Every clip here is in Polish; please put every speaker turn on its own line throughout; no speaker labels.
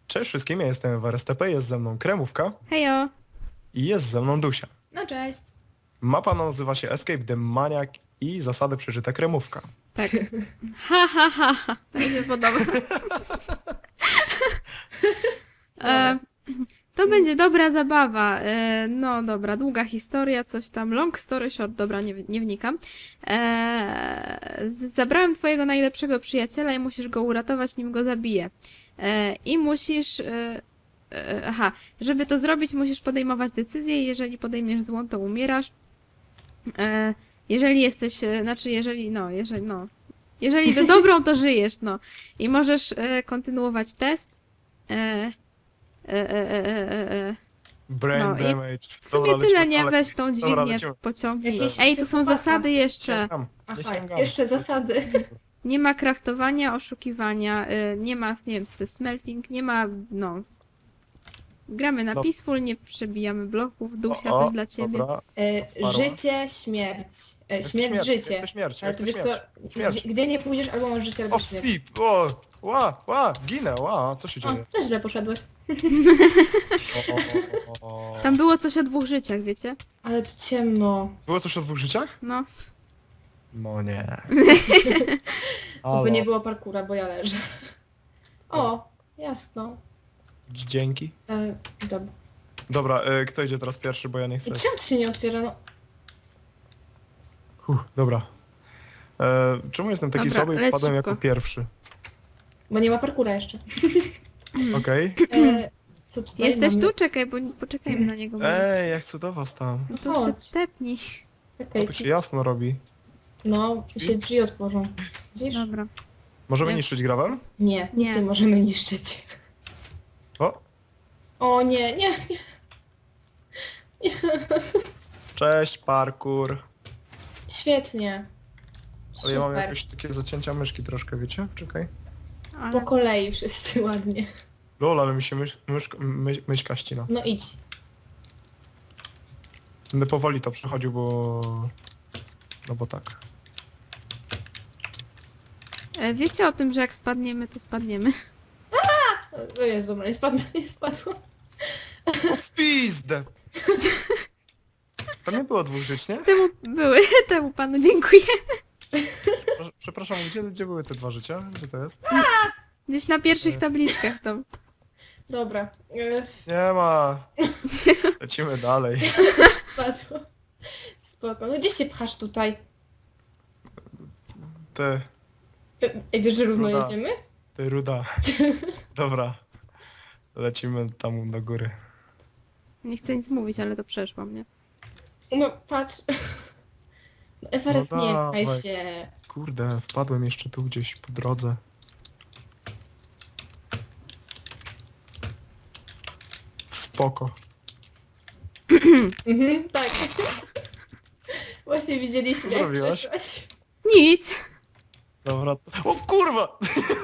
Cześć wszystkim, ja jestem WRSTP, jest ze mną Kremówka
Hejo!
i jest ze mną Dusia.
No cześć.
Mapa nazywa się Escape the Maniac i zasady przeżyte Kremówka.
Tak. Ha, ha, ha, ha. To mi się podoba. To będzie dobra zabawa. No dobra, długa historia, coś tam. Long story short, dobra, nie wnikam. Zabrałem twojego najlepszego przyjaciela i musisz go uratować, nim go zabiję. I musisz... Aha, żeby to zrobić, musisz podejmować decyzję i jeżeli podejmiesz złą, to umierasz. Jeżeli jesteś, znaczy jeżeli to dobrą, to żyjesz, no. I możesz kontynuować test.
Brain
No i
damage.
W sumie
Dobra,
tyle,
lecimy
nie?
dalej.
Weź tą
Dobra,
dźwignię,
lecimy.
pociągnij.
Jakieś
Ej, tu są
psychopata.
zasady jeszcze.
Sięgam, nie
Aha,
sięgam.
jeszcze zasady.
Nie ma kraftowania, oszukiwania, nie ma, nie wiem, co to jest smelting, nie ma, no. Gramy na
No.
peaceful, nie przebijamy bloków. Dusia,
O,
coś dla ciebie.
Dobra. Sparła.
Życie, śmierć. Śmierć, życie.
Jak to śmierć,
Ale
jak
to
to
wiesz co,
śmierć. Śmierć.
gdzie nie pójdziesz, albo masz życie, albo
O,
śmierć.
flip! Ginę, co się dzieje?
O, też źle poszedłeś.
O.
Tam było coś o 2 życiach, wiecie?
Ale tu ciemno.
Było coś o 2 życiach?
No.
No nie.
Bo nie było parkura, bo ja leżę. O, jasno.
Dzięki.
Dobra.
Dobra, kto idzie teraz pierwszy, bo ja nie
I
chcę.
czemu to się nie otwiera? No,
Dobra. Czemu jestem taki
Dobra,
słaby i
leć
wpadłem
szybko.
jako pierwszy?
bo nie ma parkura jeszcze.
Okej.
Co tutaj
Jesteś
mamy?
tu? Czekaj, bo poczekajmy na niego.
Ej, ja chcę do was tam.
No to się
Chodź.
tepnij.
Czekaj,
To się jasno robi.
no, się drzwi otworzą. Widzisz?
Dobra.
Możemy
Nie.
niszczyć gravel?
Nie,
Nie.
nic nie możemy niszczyć.
O,
O nie, nie, nie.
cześć, parkour.
Świetnie.
Ale ja mam
Super.
jakieś takie zacięcia myszki troszkę, wiecie? Czekaj.
Ale...
Po kolei wszyscy ładnie.
Lol, ale mi się myszka ścina.
No idź.
Będę powoli to przechodził, bo... No bo tak.
Wiecie o tym, że jak spadniemy, to spadniemy.
O jest dobra, nie spadło, nie spadło.
O, w pizdę! Tam nie było 2 żyć, nie?
Temu panu dziękuję.
Przepraszam, gdzie były te 2 życia? Gdzie to jest?
Gdzieś na pierwszych tabliczkach tam.
Dobra.
Nie ma. Lecimy dalej.
Spadło. Spoko. No gdzie się pchasz tutaj?
Ty,
Ej, wiesz, że równo
Ruda.
jedziemy?
ty ruda. Dobra. Lecimy tam do góry.
Nie chcę nic mówić, ale to przeszło mnie.
No patrz. No, Everest
No
nie
dawaj.
pchaj się.
Kurde, wpadłem jeszcze tu gdzieś po drodze. Spoko.
Mhm, tak. Właśnie widzieliście,
Co
jak
zrobiłaś?
przeszłaś.
Nic!
Dobra. O kurwa!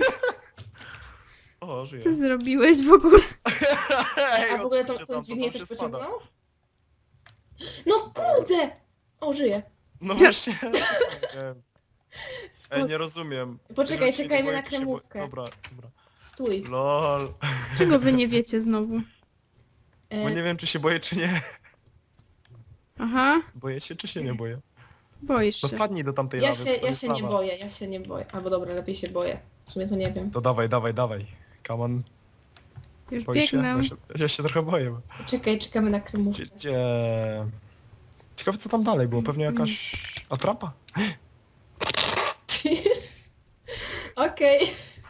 O,
Ty
żyję.
zrobiłeś w ogóle.
A w ogóle tą
odpuśćcie tam,
dźwignię
tam
też
się spada.
pociągnął? No kurde! O, żyję.
No właśnie. Nie wiem.
Spoko.
Ej, nie rozumiem.
Poczekaj,
Jeżeli się
czekajmy
nie boję,
na
to się boję.
kremówkę.
Dobra.
Stój.
Lol.
Czego wy nie wiecie znowu?
Bo nie wiem, czy się boję, czy nie.
Aha,
Boję się, czy się nie boję?
boisz
No
się.
wpadnij do tamtej
Ja
lawy.
się,
to
ja
jest
się nie
lawa.
boję, ja się nie boję. Albo dobra, lepiej się boję. W sumie to nie wiem.
To dawaj, dawaj, dawaj. Come on.
Już
Boisz się?
biegnę.
Ja się trochę boję.
Czekaj, czekamy na kremówkę.
Gdzie... Ciekawe, co tam dalej było. Pewnie jakaś atrapa?
Okej.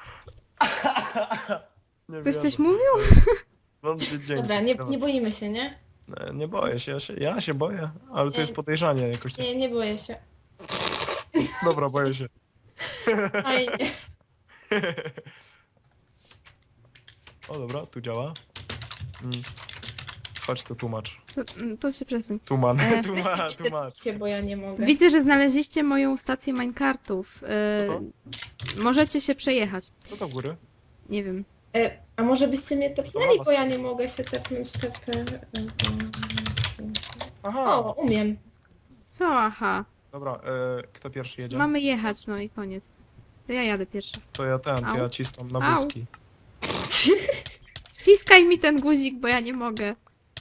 Nie
Ktoś coś
wiem.
mówił?
No, dzięki.
Dobra, nie boimy się, nie?
Nie boję się, ja się boję. Ale to jest podejrzanie jakoś. Tak.
Nie boję się.
Dobra, boję się.
Fajnie.
O dobra, tu działa. Chodź tu tłumacz.
To się przesuń.
Tuman,
Weźcie mi
tłumacz.
te bo ja nie mogę.
Widzę, że znaleźliście moją stację minecartów.
Co to?
Możecie się przejechać.
Co to w góry?
Nie wiem.
A może byście mnie tepnęli,
mama
bo ja nie mogę się tepnąć.
Aha.
O, umiem.
Co? Aha.
Dobra, kto pierwszy jedzie?
Mamy jechać, no i koniec. To ja jadę pierwsza.
To ja
Au.
ciskam na
Au.
wózki.
Wciskaj mi ten guzik, bo ja nie mogę.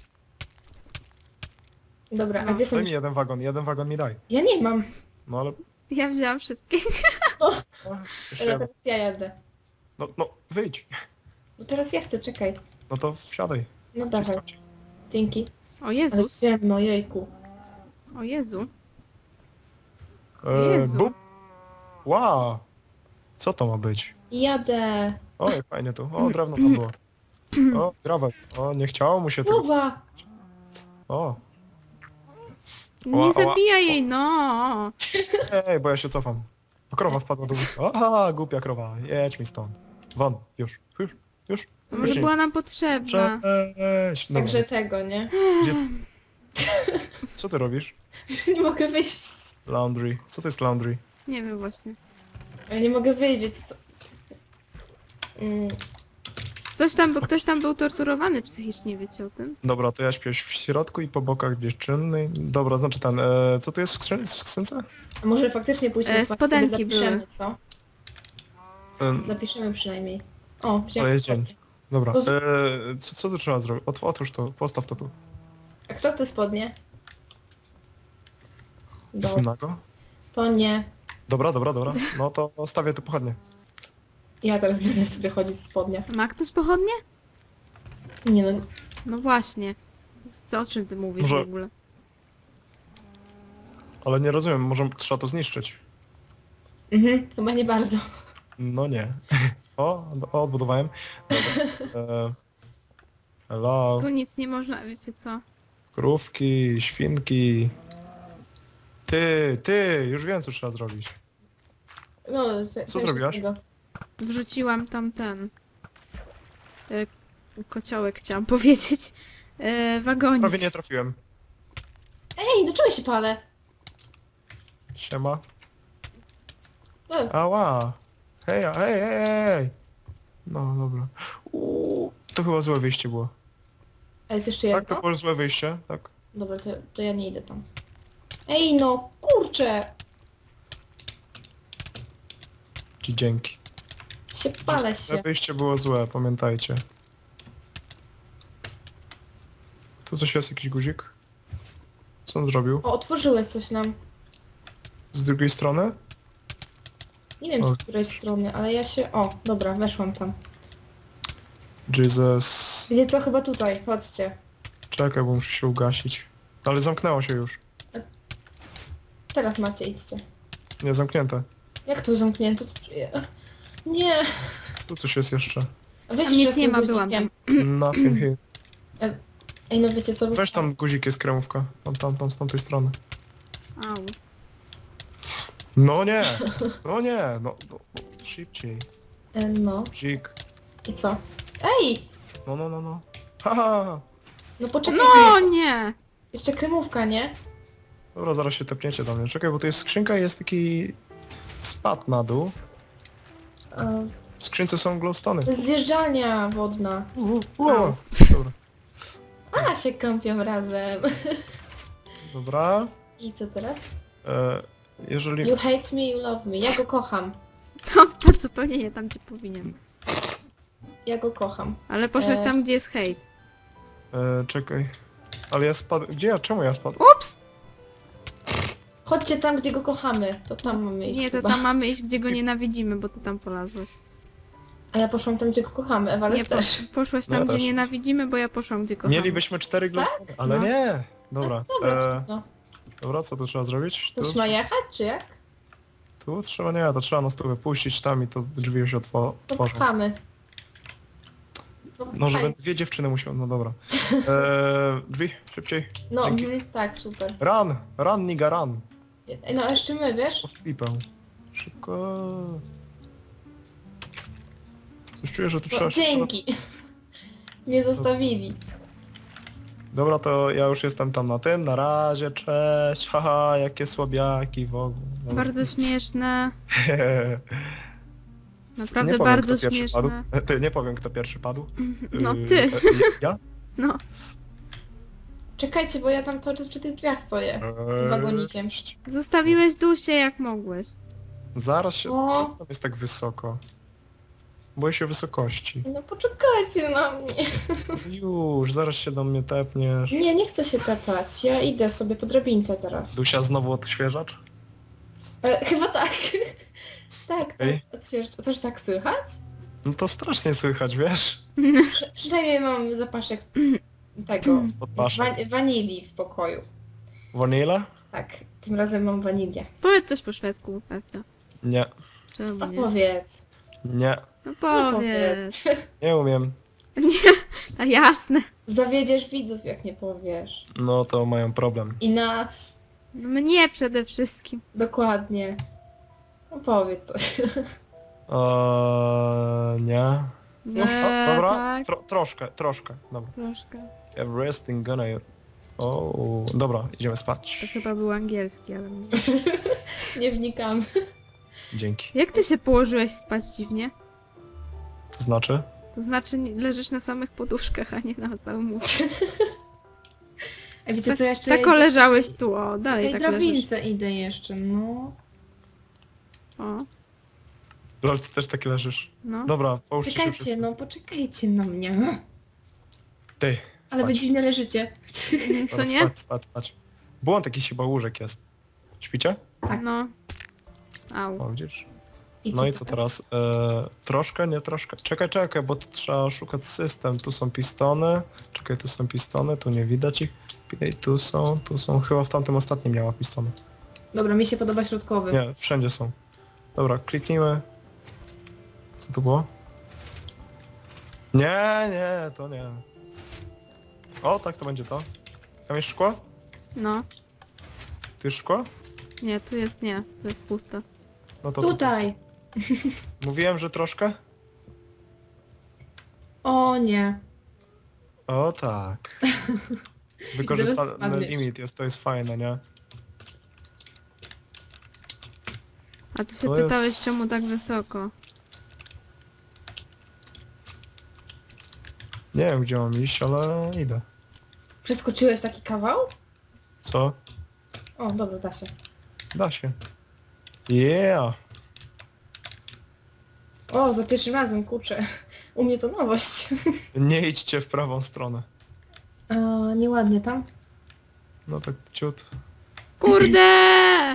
Dobra,
No.
a gdzie są...
Daj mi jeden wagon mi daj.
Ja nie mam.
No ale...
Ja wzięłam wszystkie.
O, jeszcze
Dobra,
jeden.
teraz ja jadę.
No, wyjdź.
No teraz ja chcę, czekaj.
No to wsiadaj.
No dawaj,
Wciskać.
dzięki.
O
Ale
Jezus.
ciemno, jejku.
O Jezu.
E,
Jezu.
bum. Wow. Co to ma być?
Jadę.
O, jak fajnie tu. O, drewno tam było. O, gravel. O, nie chciało mu się tego.
Nowa!
O,
Nie
Ła, ła,
zabijaj jej, no.
ej, bo ja się cofam. O, krowa wpadła do... Aha, głupia krowa. Jedź mi stąd. Won. Już.
Może
nie.
była nam potrzebna.
Cześć. Dobra.
Także tego, nie?
Gdzie... Co ty robisz?
Już nie mogę wyjść.
Laundry. Co to jest laundry?
Nie wiem właśnie.
Ja nie mogę wyjść, wiecie co?
Ktoś tam był torturowany psychicznie, wiecie o tym?
Dobra, to ja śpię w środku i po bokach dziewczyny. Dobra, znaczy ten... co to jest w skrzynce?
A może faktycznie pójdźmy spać,
spodenki
sobie zapiszemy,
były.
co?
Em.
Zapiszemy przynajmniej. O,
To
wziąłem
jest dzień.
spodnie.
Dobra.
To
Co tu trzeba zrobić? Otwórz to, postaw to tu.
A kto chce spodnie?
Jest nago?
To nie.
Dobra. No to stawię tu pochodnie.
Ja teraz będę sobie chodzić w spodniach.
Ma ktoś pochodnie?
Nie no,
No właśnie. O czym ty mówisz
Może-
w ogóle?
Ale nie rozumiem, może trzeba to zniszczyć.
chyba nie bardzo.
No nie. O, odbudowałem. Dobra. Hello.
Tu nic nie można, wiecie co?
Krówki, świnki. Ty, już wiem co trzeba zrobić.
No,
Co zrobiłaś?
Wrzuciłam tam ten... kociołek chciałam powiedzieć. Wagonik.
Prawie nie trafiłem.
Ej, do czego się palę?
Siema.
E,
Ała. Hej. No dobra. To chyba złe wyjście było.
A jest jeszcze
Tak, to
jedno?
było złe wyjście, tak.
Dobra, to ja nie idę tam. Ej no, kurczę!
Ci dzięki.
Palę
Złe
się.
wyjście było złe, pamiętajcie. Tu coś jest, jakiś guzik? Co on zrobił?
O, otworzyłeś coś nam.
Z drugiej strony?
Nie wiem
O.
z której strony, ale ja się... O, dobra, weszłam tam.
Jesus.
Wiecie co, chyba tutaj, chodźcie.
Czekaj, bo muszę się ugasić. Ale zamknęło się już.
Teraz macie, idźcie.
Nie, zamknięte.
Jak to zamknięte? Nie.
Tu coś jest jeszcze.
Weź
Tam nic
jeszcze
nie
tym
ma, byłam
guzikiem.
Nothing here.
Ej, no wiecie co?
Weź tam guzik, jest kremówka. Tam, z tamtej strony.
Au.
No nie! No, szybciej.
No.
Guzik.
I co? Ej!
No. Haha!
No poczekaj.
No nie!
Jeszcze kremówka, nie?
Dobra, zaraz się tepniecie do mnie. Czekaj, bo tu jest skrzynka i jest taki... spad na dół. W skrzynce są glowstony.
To jest zjeżdżalnia wodna.
O, dobra.
A, się kąpią razem.
Dobra.
I co teraz?
Jeżeli...
You hate me, you love me. Ja go kocham.
To wpadł zupełnie nie tam, gdzie powinien.
Ja go kocham.
Ale poszłeś tam, gdzie jest hejt.
czekaj. Ale ja spadłem... Gdzie ja? Czemu ja spadłem?
Ups!
Chodźcie tam, gdzie go kochamy. To tam mamy iść
Nie, to
chyba.
tam mamy iść, gdzie go nienawidzimy, bo ty tam polazłeś.
A ja poszłam tam, gdzie go kochamy.
Nie,
Ewales też.
poszłaś
Ja
tam, gdzie
też.
nienawidzimy, bo ja poszłam, gdzie kochamy.
Mielibyśmy 4 glowstony, ale
No.
nie! Dobra.
Dobra, no.
Dobra, co tu trzeba zrobić?
To ma jechać, czy jak?
Tu trzeba, nie, to trzeba na stół wypuścić tam i to drzwi się
To
otworzą.
pchamy.
No, żeby
pchaj.
dwie dziewczyny musiały, no dobra. Drzwi, szybciej.
No,
Dzięki.
tak, super.
Run, nigga, run.
Ej, no a jeszcze my, wiesz?
O, w pipę. Szybko. Coś czuję, że tu trzeba
No,
się...
dzięki. Mnie zostawili.
Dobra, to ja już jestem tam na tym, na razie, cześć, haha, jakie słabiaki w ogóle. Dobra.
Bardzo śmieszne.
Nie
Naprawdę
powiem,
bardzo
kto pierwszy padł.
śmieszne.
Ty, nie powiem, kto pierwszy padł.
No ty.
Ja?
No.
Czekajcie, bo ja tam cały czas przy tych drzwiach stoję. Z tym wagonikiem.
Zostawiłeś Dusię jak mogłeś.
Zaraz się...
O.
Czemu tam jest tak wysoko? Boję się wysokości.
No poczekajcie na mnie.
Już, zaraz się do mnie tepniesz.
Nie chcę się tepać. Ja idę sobie po drabince teraz.
Dusia, znowu odświeżacz?
Chyba tak. Tak,
Ej.
odświeżacz. A coś tak słychać?
No to strasznie słychać, wiesz?
Przynajmniej mam zapaszek tego,
Podpaszek.
wanilii w pokoju.
Vanilla?
Tak, tym razem mam wanilię.
Powiedz coś po szwedzku, Pewcia.
Nie.
Czemu nie?
Opowiedz.
Nie.
No
Nie
powiedz.
Nie umiem.
A jasne.
Zawiedziesz widzów, jak nie powiesz.
No to mają problem.
I nas.
No mnie przede wszystkim.
Dokładnie. Opowiedz coś.
Nie.
No,
O, dobra.
tak.
Troszkę. Dobra.
Troszkę.
Everything gonna... O, dobra, idziemy
To
spać.
chyba był angielski, ale nie.
Nie wnikam.
Dzięki.
Jak ty się położyłeś spać dziwnie?
To znaczy?
To znaczy leżysz na samych poduszkach, a nie na całym łóżku.
A wiecie co, jeszcze
Tak leżałeś tu, o,
po
dalej
tej
tak leżysz.
drabince idę jeszcze, no.
O,
Lol, ty też taki leżysz.
no.
Dobra, połóżcie się
Czekajcie,
wszyscy.
no poczekajcie na mnie.
Ty,
Ale wy
spać.
dziwnie leżycie.
Co
Dobra,
nie?
Spać. Błąd jakiś chyba łóżek jest. Śpicie?
Tak.
No. Au.
O, widzisz?
I
No i co teraz? Troszkę, nie troszkę. Czekaj, bo tu trzeba szukać system. Tu są pistony. Czekaj, tu są pistony, tu nie widać ich. I tu są. Chyba w tamtym ostatnim miała pistony.
Dobra, mi się podoba środkowy.
Nie, wszędzie są. Dobra, kliknijmy. Co to było? Nie, to nie. O, tak, to będzie to. Tam jest szkło?
No.
Tu jest szkło?
Nie, tu jest nie. Tu jest pusto.
No to
Tutaj.
Mówiłem, że troszkę?
O nie.
O tak.
Zaraz
Wykorzystany
spadniesz.
limit jest, to jest fajne, nie?
A ty się
To
pytałeś,
jest-
czemu tak wysoko?
Nie wiem, gdzie mam iść, ale idę.
Przeskoczyłeś taki kawał?
Co?
O, dobra, da się.
Da się. Yeah!
O, za pierwszym razem, kurczę. U mnie to nowość.
Nie idźcie w prawą stronę.
A, nieładnie tam.
No tak ciut.
Kurde!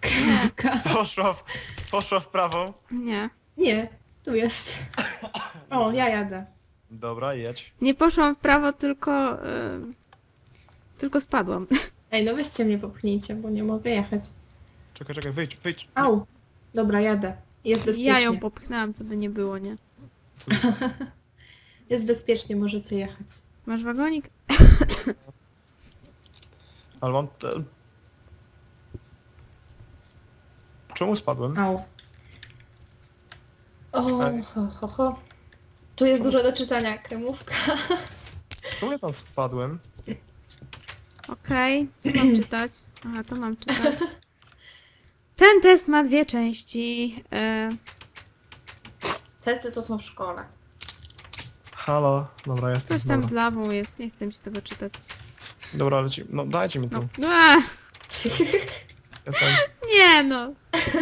Poszła w prawą.
Nie.
Nie, tu jest. O, ja jadę.
Dobra, jedź.
Nie poszłam w prawo, tylko... tylko spadłam.
Ej, no weźcie mnie popchnijcie, bo nie mogę jechać.
Czekaj, wyjdź.
Au. Dobra, jadę. Jest bezpiecznie.
Ja ją popchnęłam, co by nie było, nie?
Co to jest?
Jest bezpiecznie, możecie jechać.
Masz wagonik?
Ale mam... Czemu spadłem?
Au. O,
Ej.
ho. Tu jest dużo do czytania, kremówka.
Czemu ja tam spadłem?
Okej, co mam czytać? Aha, to mam czytać. Ten test ma 2 części.
Testy to są w szkole.
Halo. Dobra, jestem.
Coś tam z
Dobra,
lawą jest, nie chcę mi się tego czytać.
dobra leci. No dajcie mi to.
No.
Jestem.
Nie no.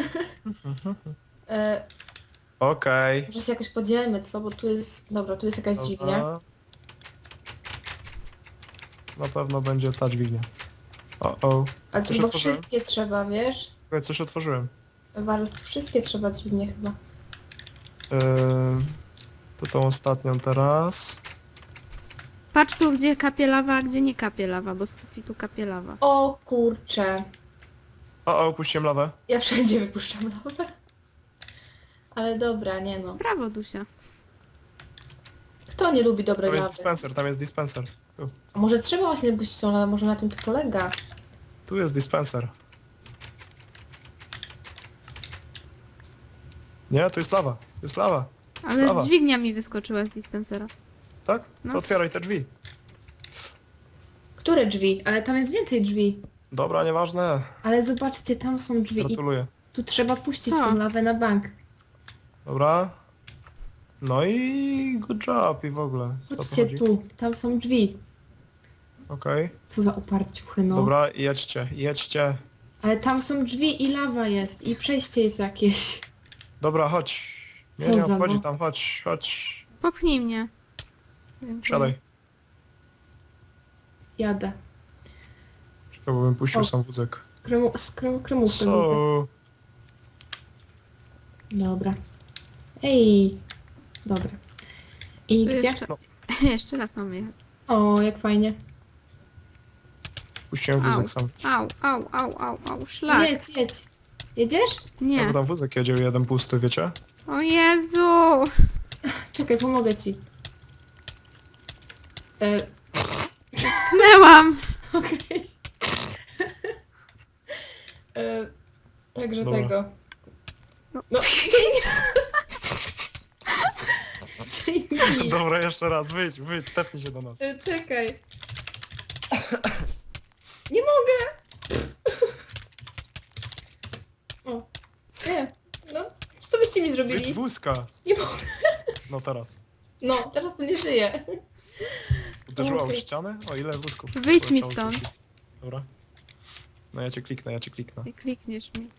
Okej.
Może się jakoś podzielmy, co? Bo tu jest... Dobra, tu jest jakaś dźwignia.
Dobra. Na pewno będzie ta dźwignia. O.
Ale tu
Coś
chyba
otworzyłem?
wszystkie trzeba, wiesz?
Czekaj, coś otworzyłem.
Waros, tu wszystkie trzeba dźwignie chyba.
To tą ostatnią teraz.
Patrz tu, gdzie kapie lawa, a gdzie nie kapie lawa, bo z sufitu kapie lawa.
O kurcze.
Opuściłem lawę.
Ja wszędzie wypuszczam lawę. Ale dobra, nie no.
Brawo, Dusia.
Kto nie lubi dobrej
Tam jest
lawy?
dispenser, tam jest dispenser.
A może trzeba właśnie puścić tą lawę, może na tym to polega.
Tu jest dispenser. Nie, tu jest lawa. To jest lawa.
Ale
Lawa.
dźwignia mi wyskoczyła z dispensera.
Tak?
No.
To otwieraj te drzwi.
Które drzwi? Ale tam jest więcej drzwi.
Dobra, nieważne.
Ale zobaczcie, tam są drzwi i
Gratuluję.
tu trzeba puścić
Co?
tą lawę na bank.
Dobra. No i good job i w ogóle. Co tu
Chodźcie
chodzi?
tu, tam są drzwi.
Okej.
Co za uparciuchy, no.
Dobra, jedźcie.
Ale tam są drzwi i lawa jest i przejście jest jakieś.
Dobra, chodź. Nie,
Co
nie
za
obchodzi
no?
tam, chodź.
Popchnij mnie. Dziękuję.
Siadaj.
Jadę.
Czekaj, bo bym puścił
O.
sam wózek.
Kremówkę.
Co?
Dobra. Ej. Dobra. I
Tu
gdzie?
jeszcze,
No.
jeszcze raz mamy jechać.
O, jak fajnie.
Puściłem wózek sam.
Au, szlak.
Jedź. Jedziesz?
No
Nie.
bo tam wózek jedzie jeden pusty, wiecie?
O Jezu!
Czekaj, pomogę ci.
Tknęłam!
Okej. Także
Dobra.
tego.
No.
No.
Dobra, jeszcze raz, wyjdź, tepnij się do nas.
Czekaj. Nie mogę! O. Nie. No, co byście mi
Wyjdź z
zrobili?
wózka.
Nie mogę.
No teraz.
No, teraz to nie żyje.
Uderzyła o
Okej.
ścianę? O ile wózków?
Wyjdź mi
Poleciało
stąd.
tu. Dobra. No ja cię kliknę.
Nie klikniesz mi.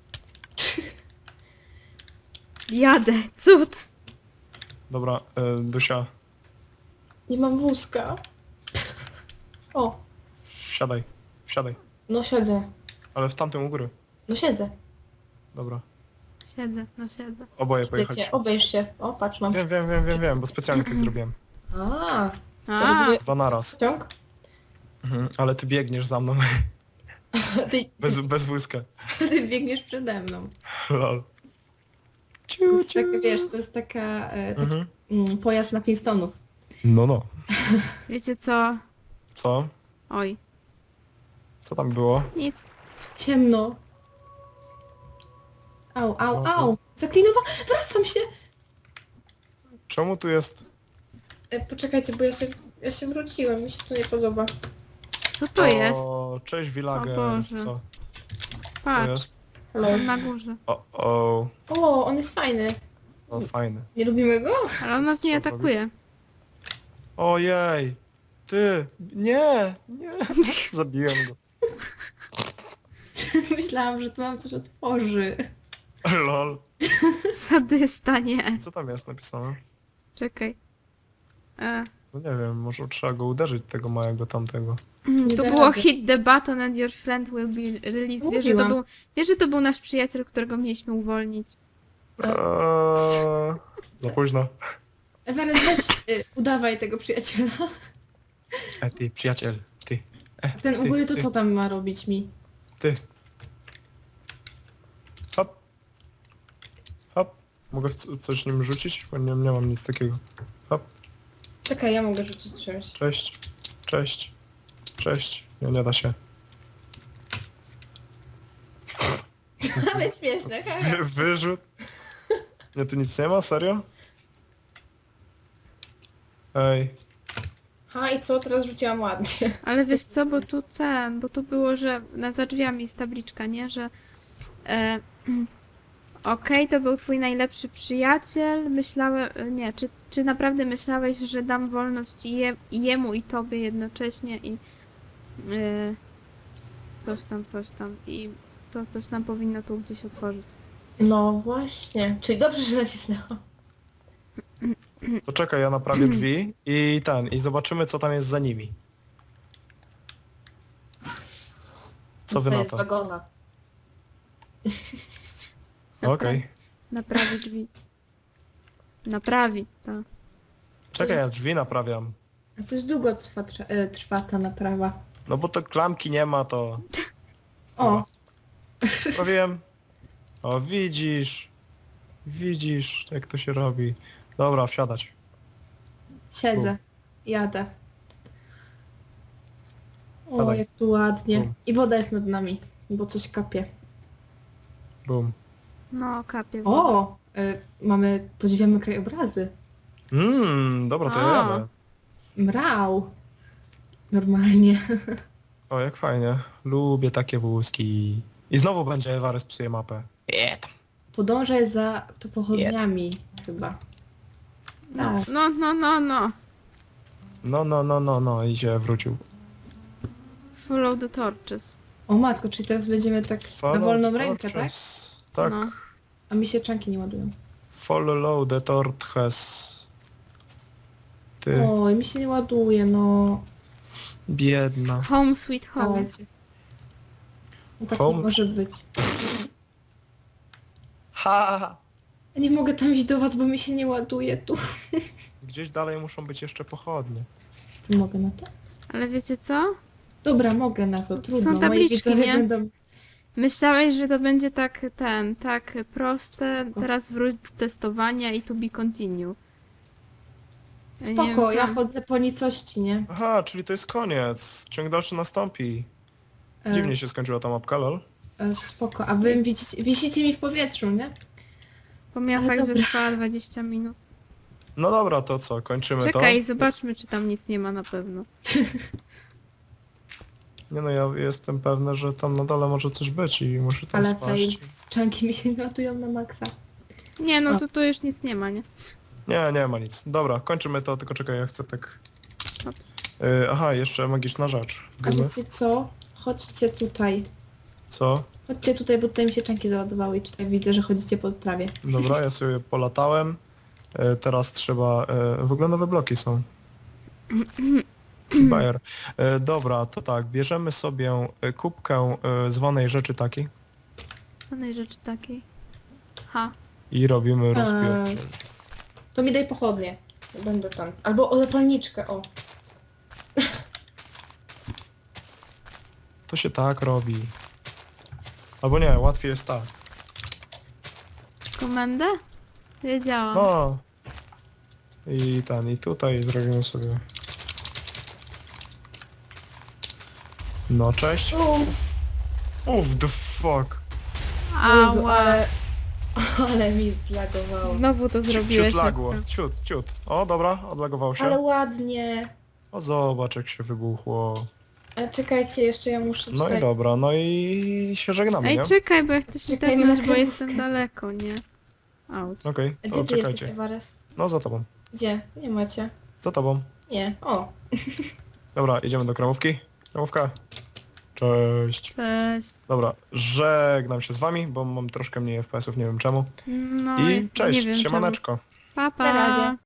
Jadę, cud!
Dobra, Dusia,
Nie mam wózka. O,
siadaj.
no siedzę.
Ale w tamtym u góry.
No siedzę.
Dobra.
Siedzę.
Oboje
Widzę
pojechać.
cię, obejrz się. O, patrz, mam.
Wiem, bo specjalnie tak zrobiłem.
A, to
A,
były
Dwa naraz.
ciąg?
Ale ty biegniesz za mną.
Ty,
Bez wózka.
ty biegniesz przede mną.
Lol.
To jest tak, wiesz, to jest taki
Mhm.
pojazd na Flintstonów.
No.
wiecie co?
Co?
Oj,
Co tam było?
nic.
Ciemno. Au. Zaklinowa. Wracam się.
Czemu tu jest?
Poczekajcie, bo ja się wróciłem. Mi się to nie podoba.
Co to jest?
O, cześć Villager.
O Boże.
Co
Patrz,
jest?
Hello.
na górze.
O,
O, on jest fajny.
no fajny.
Nie lubimy go?
Ale on nas nie
Co
atakuje.
Ojej. Ty. Nie. Zabiłem go.
Myślałam, że to nam coś otworzy.
Lol.
Sadysta, nie.
Co tam jest napisane?
Czekaj.
No nie wiem, może trzeba go uderzyć, tego małego tamtego.
Nie
To
da
było
rady.
hit the button and your friend will be released.
Mówiłam.
Wiesz, że to był nasz przyjaciel, którego mieliśmy uwolnić.
Za późno.
Eweryn, weź udawaj tego przyjaciela.
Ty, przyjaciel, ty.
Ten u
ty,
góry to
ty,
co tam ma robić mi?
Ty. Hop. Mogę coś nim rzucić? Bo nie mam nic takiego.
Czekaj, ja mogę rzucić czymś.
Cześć. Nie da się.
Ale śmieszne, haha.
Wyrzut. Nie, tu nic nie ma? Serio? Ej.
Ha, i co? Teraz rzuciłam ładnie.
Ale wiesz co, bo tu było, że za drzwiami jest tabliczka, nie? Że okej, to był twój najlepszy przyjaciel. Myślałem, nie, czy naprawdę myślałeś, że dam wolność i jemu i tobie jednocześnie i coś tam i to coś nam powinno tu gdzieś otworzyć.
No właśnie. Czyli dobrze, że nacisnęłam.
To czekaj, ja naprawię drzwi i zobaczymy, co tam jest za nimi. Co wy
To
na
jest
to?
wagona.
Okej.
Naprawi drzwi. Naprawi, tak.
Czekaj, ja drzwi naprawiam.
A coś długo trwa ta naprawa.
No bo to klamki nie ma, to...
O,
Prawiłem. O, widzisz, jak to się robi. Dobra, wsiadać.
siedzę. Jadę. O,
Siadaj.
jak tu ładnie.
Bum.
I woda jest nad nami, bo coś kapie.
Bum.
No, kapie.
O, podziwiamy krajobrazy.
Dobra, to ja
A.
jadę.
Mrał. Normalnie.
O, jak fajnie. Lubię takie wózki. I znowu będzie Ewarys psuje mapę.
Podążaj za to pochodniami chyba. Tak.
No.
No, i się wrócił.
Follow the torches.
O matko, czyli teraz będziemy tak na wolną rękę, tak?
Tak.
No.
A mi się czanki nie ładują.
Follow the torches. Ty,
Oj, mi się nie ładuje, no.
biedna.
Home sweet home.
Dawajcie. No tak
Home?
nie może być.
Ha!
Ja nie mogę tam iść do was, bo mi się nie ładuje tu.
Gdzieś dalej muszą być jeszcze pochodnie.
Czy mogę na to?
Ale wiecie co?
Dobra, mogę na to, trudno.
Są
Moi
tabliczki,
widzowie
nie?
będą...
Myślałeś, że to będzie tak proste. Teraz wróć do testowania i to be continue. Ja nie
Spoko,
wiem,
ja
co-
chodzę po nicości, nie?
Aha, czyli to jest koniec. Ciąg dalszy nastąpi.
E,
Dziwnie się skończyła ta mapka, lol.
Spoko, a wy wisicie mi w powietrzu, nie?
Pomijam
Ale
fakt, że
dobra.
trwała 20 minut.
No dobra, to co, kończymy
Czekaj,
to?
zobaczmy, czy tam nic nie ma na pewno.
Nie no, ja jestem pewny, że tam na dole może coś być i muszę tam
Ale
spaść.
Czanki mi się latują na maksa.
Nie, no
A.
tu już nic nie ma, nie?
Nie, nie ma nic. Dobra, kończymy to, tylko czekaj, ja chcę tak...
Ops.
Aha, jeszcze magiczna rzecz.
A
Dymy.
wiecie co? Chodźcie tutaj.
Co?
Chodźcie tutaj, bo tutaj mi się czanki załadowały i tutaj widzę, że chodzicie po trawie.
Dobra, ja sobie polatałem. Teraz trzeba... W ogóle nowe bloki są. Bayer. Dobra, to tak, bierzemy sobie kubkę zwanej rzeczy takiej
Żadnej rzeczy takiej. Ha.
i robimy rozpięcie.
To mi daj pochodnie. Będę tam. Albo o zapalniczkę, o.
To się tak robi. Albo nie, łatwiej jest tak.
Komendę? Wiedziałam.
No. I tutaj zrobimy sobie... No, cześć. Uff, the fuck.
Jezu,
Ała.
ale mi zlagowało.
Znowu to zrobiłeś.
Ciut lagło,
szybko.
ciut. O, dobra, odlagował się.
Ale ładnie.
O, zobacz jak się wybuchło.
A czekajcie, jeszcze ja muszę
No
tutaj...
i dobra, no i się żegnamy,
Ej,
nie?
czekaj, bo ja chcę się
Czekajmy na
tepnąć, bo
kremówkę.
jestem daleko, nie? Auć.
Okej,
A
to
gdzie ty jesteś,
czekajcie.
Ewares?
No, za tobą.
Gdzie? Nie macie.
Za tobą.
Nie. O.
Dobra, idziemy do kremówki. Kremówka. Cześć.
Cześć.
Dobra, żegnam się z wami, bo mam troszkę mniej FPS-ów, nie wiem czemu.
No
I
nie
cześć,
wiem
siemaneczko.
Pa, pa.
Na razie.